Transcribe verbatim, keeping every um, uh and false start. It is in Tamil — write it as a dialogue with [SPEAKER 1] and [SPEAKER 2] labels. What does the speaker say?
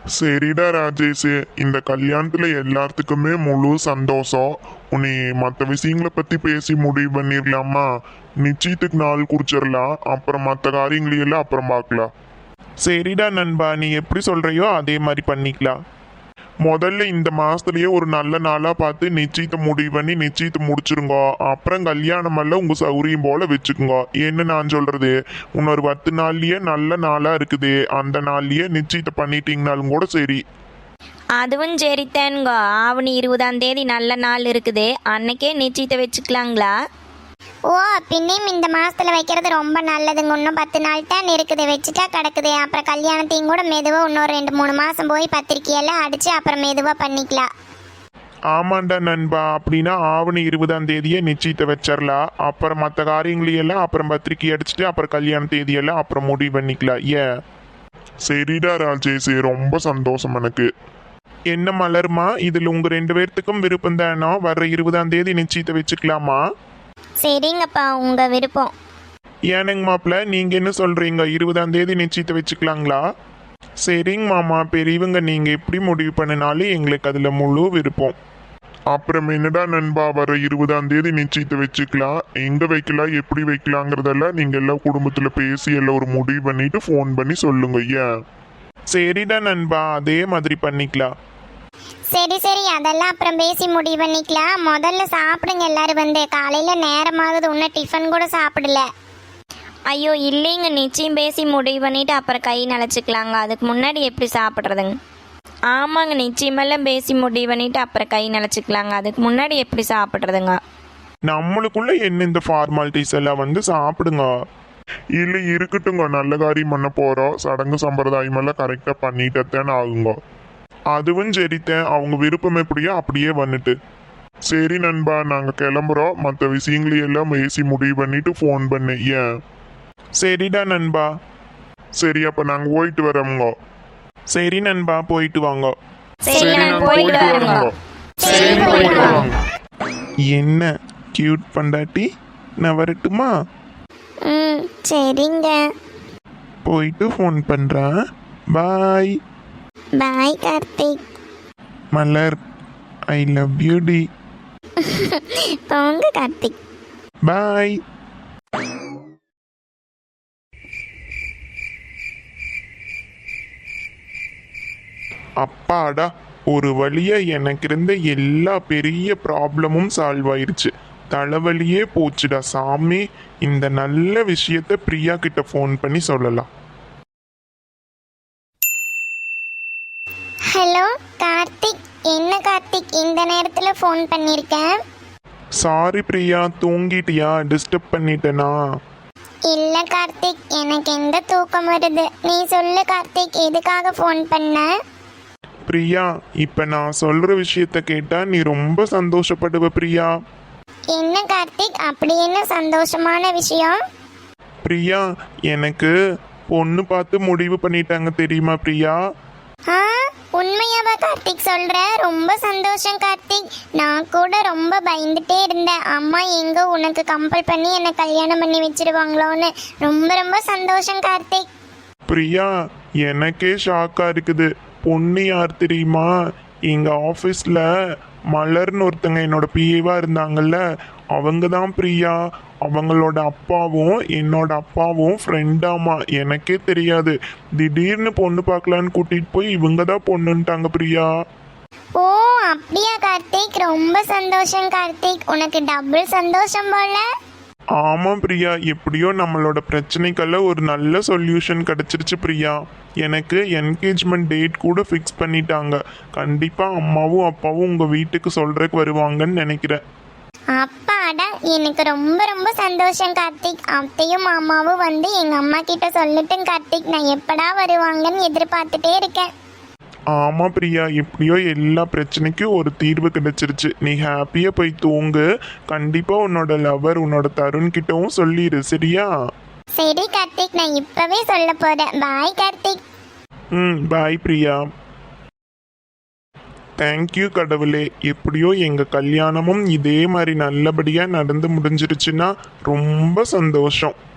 [SPEAKER 1] சரிடா ராஜேஷ், இந்த கல்யாணத்துல எல்லாத்துக்குமே முழு சந்தோஷம். உன்னை மற்ற விஷயங்களை பத்தி பேசி முடிவு பண்ணிடலாமா? நிச்சயத்துக்கு நாள் குறிச்சிடலாம், அப்புறம் மற்ற காரியங்களையெல்லாம் அப்புறம் பார்க்கலாம்.
[SPEAKER 2] சரிடா நண்பா, நீ எப்படி சொல்றியோ அதே மாதிரி பண்ணிக்கலாம்.
[SPEAKER 1] முதல்ல இந்த மாசத்துலயே ஒரு நல்ல நாளா பார்த்து நிச்சயத்தை முடிவு பண்ணி நிச்சயத்தை முடிச்சிருங்க. அப்புறம் கல்யாணம் எல்லாம் உங்க சௌரியம் போல வச்சுக்கோங்க. என்ன நான் சொல்றது, இன்னொரு பத்து நாள்லயே நல்ல நாளா இருக்குது, அந்த நாள்லயே நிச்சயத்தை பண்ணிட்டீங்கனாலும் கூட சரி.
[SPEAKER 3] அதுவும் சரித்தானுங்க. ஆவணி இருபதாம் தேதி நல்ல நாள் இருக்குது, அன்னைக்கே நிச்சயத்தை வச்சுக்கலாங்களா?
[SPEAKER 4] ஓ, பின்னையும் இந்த மாசத்துல வைக்கிறது ரொம்ப நல்லதுங்க. இன்னும் பத்து நாள் தான் இருக்குது, வச்சுட்டா கிடக்குது. அப்புறம் கல்யாணத்தையும் கூட மெதுவா இன்னொரு ரெண்டு மூணு மாசம் போய் பத்திரிக்கையெல்லாம் அடிச்சு அப்புறம் மெதுவா பண்ணிக்கலாம்.
[SPEAKER 2] ஆமாண்டா நண்பா, அப்படின்னா ஆவணி இருபதாம் தேதியே நிச்சயத்தை வச்சிடலாம். அப்புறம் மற்ற காரியங்களையெல்லாம் அப்புறம் பத்திரிக்கை அடிச்சுட்டு அப்புறம் கல்யாண தேதியெல்லாம் அப்புறம் முடிவு பண்ணிக்கலாம். ஏ
[SPEAKER 1] சரிடா ராஜேஷ், ரொம்ப சந்தோஷம் எனக்கு.
[SPEAKER 2] என்ன மலர்மா, இதில் உங்கள் ரெண்டு பேர்த்துக்கும் விருப்பம் தானோ? வர்ற இருபதாம் தேதி நிச்சயத்தை வச்சுக்கலாமா?
[SPEAKER 4] சரிங்கப்பா, உங்க விருப்பம்.
[SPEAKER 2] ஏனுங்க மாப்பிள்ள, நீங்கள் என்ன சொல்கிறீங்க? இருபதாம் தேதி நிச்சயத்தை வச்சுக்கலாங்களா? சரிங்க மாமா, பெரியவங்க நீங்கள் எப்படி முடிவு பண்ணினாலும் எங்களுக்கு அதில் முழு விருப்பம்.
[SPEAKER 1] அப்புறம் என்னடா நண்பா, வர இருபதாம் தேதி நிச்சயத்தை வச்சுக்கலாம். எங்க வைக்கலாம், எப்படி வைக்கலாங்கிறதெல்லாம் நீங்க எல்லாம் குடும்பத்துல பேசி எல்லாம் ஒரு முடிவு பண்ணிட்டு ஃபோன் பண்ணி சொல்லுங்க. ஏன்?
[SPEAKER 2] சரிடா நண்பா, அதே மாதிரி பண்ணிக்கலாம்.
[SPEAKER 4] சரி சரி, அதெல்லாம் அப்புறம் பேசி முடிவு பண்ணிக்கலாம். முதல்ல சாப்பிடுங்க எல்லாரும். வந்து காலையில நேரமாகுது, இன்னும் டிஃபன் கூட சாப்பிடல.
[SPEAKER 3] ஐயோ இல்லைங்க, நிச்சயம் பேசி முடிவு பண்ணிட்டு அப்புறம் கை நனைச்சிக்கலாங்க. அதுக்கு முன்னாடி எப்படி சாப்பிட்றதுங்க? ஆமாங்க, நிச்சயமெல்லாம் பேசி முடிவு பண்ணிட்டு அப்புறம் கை நனைச்சிக்கலாங்க. அதுக்கு முன்னாடி எப்படி சாப்பிட்றதுங்க?
[SPEAKER 2] நம்மளுக்குள்ள என்ன இந்த ஃபார்மாலிட்டிஸ் எல்லாம், வந்து சாப்பிடுங்க.
[SPEAKER 1] இல்ல இருக்கட்டுங்க, நல்ல காரியம் பண்ண போறோம். சடங்கு சம்பிரதாயம் எல்லாம் கரெக்டா பண்ணிட்டேன்னு ஆகுங்க.
[SPEAKER 2] அதுவும் சரித்தேன், அவங்க விருப்பம் எப்படியோ அப்படியே வந்துட்டு.
[SPEAKER 1] சரி நண்பா, நாங்க கிளம்புறோம். மற்ற விஷயங்களையெல்லாம் பேசி முடிவு பண்ணிட்டு ஃபோன் பண்ணு. ஏன்?
[SPEAKER 2] சரிடா நண்பா.
[SPEAKER 1] சரி, அப்ப நாங்க போயிட்டு வரோங்க.
[SPEAKER 2] சரி நண்பா, போயிட்டு வாங்க.
[SPEAKER 3] சரி, நான் போயிட்டு வரேங்க.
[SPEAKER 1] சரி, போயிட்டு வாங்க.
[SPEAKER 2] என்ன கியூட் பண்டாட்டி, நான் வரட்டுமா?
[SPEAKER 4] ம், சரிங்க.
[SPEAKER 2] போயிட்டு ஃபோன் பண்ணுறேன். Bye.
[SPEAKER 4] Bye Karthik.
[SPEAKER 2] Malar, I love you டி.
[SPEAKER 4] போங்க கார்த்திக்.
[SPEAKER 2] பாய். அப்பாடா, ஒரு வழியா எனக்கு இருந்த எல்லா பெரிய ப்ராப்ளமும் சால்வ் ஆயிருச்சு. தலைவலியே போச்சுடா சாமி. இந்த நல்ல விஷயத்த பிரியா கிட்ட ஃபோன் பண்ணி சொல்லலாம்.
[SPEAKER 4] ஹலோ கார்த்திக், என்ன கார்த்திக் இந்த நேரத்துல ஃபோன் பண்ணிருக்கேன்?
[SPEAKER 2] சாரி பிரியா, தூங்கிட்டியா? டிஸ்டர்ப் பண்ணிட்டேனா?
[SPEAKER 4] இல்ல கார்த்திக், எனக்கு எந்த தூக்கம் வருது. நீ சொல்லு கார்த்திக், எதுக்காக ஃபோன் பண்ண?
[SPEAKER 2] பிரியா, இப்ப நான் சொல்ற விஷயத்த கேட்டா நீ ரொம்ப சந்தோஷப்படுவ பிரியா.
[SPEAKER 4] என்ன கார்த்திக், அப்படி என்ன சந்தோஷமான விஷயம்?
[SPEAKER 2] பிரியா, எனக்கு பொண்ணு பார்த்து முடிவு பண்ணிட்டாங்க தெரியுமா பிரியா?
[SPEAKER 4] ஆ, உண்மையாவா கார்த்திக் சொல்ற? ரொம்ப சந்தோஷம் கார்த்திக். நான் கூட ரொம்ப பயந்துட்டே இருந்தேன், அம்மா எங்க உனக்கு கம்பல் பண்ணி என்னை கல்யாணம் பண்ணி வச்சிருவாங்களோன்னு. ரொம்ப ரொம்ப சந்தோஷம் கார்த்திக்.
[SPEAKER 2] பிரியா, எனக்கே ஷாக்கா இருக்குது. பொண்ணு யார் தெரியுமா? எங்க ஆஃபீஸில் மலர்னு ஒருத்தங்க என்னோட பிஏவா இருந்தாங்கல்ல, அவங்க தான் பிரியா. அவங்களோட அப்பாவும் என்னோட அப்பாவும் ஃப்ரெண்டாமா. எனக்கே தெரியாது. திடீர்னு பொண்ணு பார்க்கலான்னு கூட்டிட்டு போய் இவங்க தான் பொண்ணுன்ட்டாங்க பிரியா.
[SPEAKER 4] ஓ அப்படியா கார்த்திக், ரொம்ப சந்தோஷம் கார்த்திக். உனக்கு டபுள் சந்தோஷம் போல.
[SPEAKER 2] ஆமாம் பிரியா, எப்படியோ நம்மளோட பிரச்சனைக்கெல்லாம் ஒரு நல்ல சொல்யூஷன் கிடச்சிருச்சு பிரியா. எனக்கு என்கேஜ்மெண்ட் டேட் கூட ஃபிக்ஸ் பண்ணிட்டாங்க. கண்டிப்பாக அம்மாவும் அப்பாவும் உங்கள் வீட்டுக்கு சொல்கிறதுக்கு வருவாங்கன்னு நினைக்கிறேன்.
[SPEAKER 4] அப்பாடா, எனக்கு ரொம்ப ரொம்ப சந்தோஷம் கார்த்திக். அத்தையும் மாமாவும் வந்து எங்கள் அம்மா கிட்ட சொல்லட்டும் கார்த்திக். நான் எப்படா வருவாங்கன்னு எதிர்பார்த்துட்டே இருக்கேன்.
[SPEAKER 2] ஆமாம் பிரியா, எப்படியோ எல்லா பிரச்சனைக்கும் ஒரு தீர்வு கிடைச்சிருச்சு. நீ ஹாப்பியாக போய் தூங்கு. கண்டிப்பாக உன்னோட லவர் உன்னோட தருண் கிட்டவும் சொல்லிடு, சரியா?
[SPEAKER 4] சரி கார்த்திக், நான் இப்பவே சொல்ல போறேன். பாய் கார்த்திக்.
[SPEAKER 2] ம், பாய் பிரியா. தேங்க்யூ கடவுளே, எப்படியோ எங்கள் கல்யாணமும் இதே மாதிரி நல்லபடியாக நடந்து முடிஞ்சிருச்சுன்னா ரொம்ப சந்தோஷம்.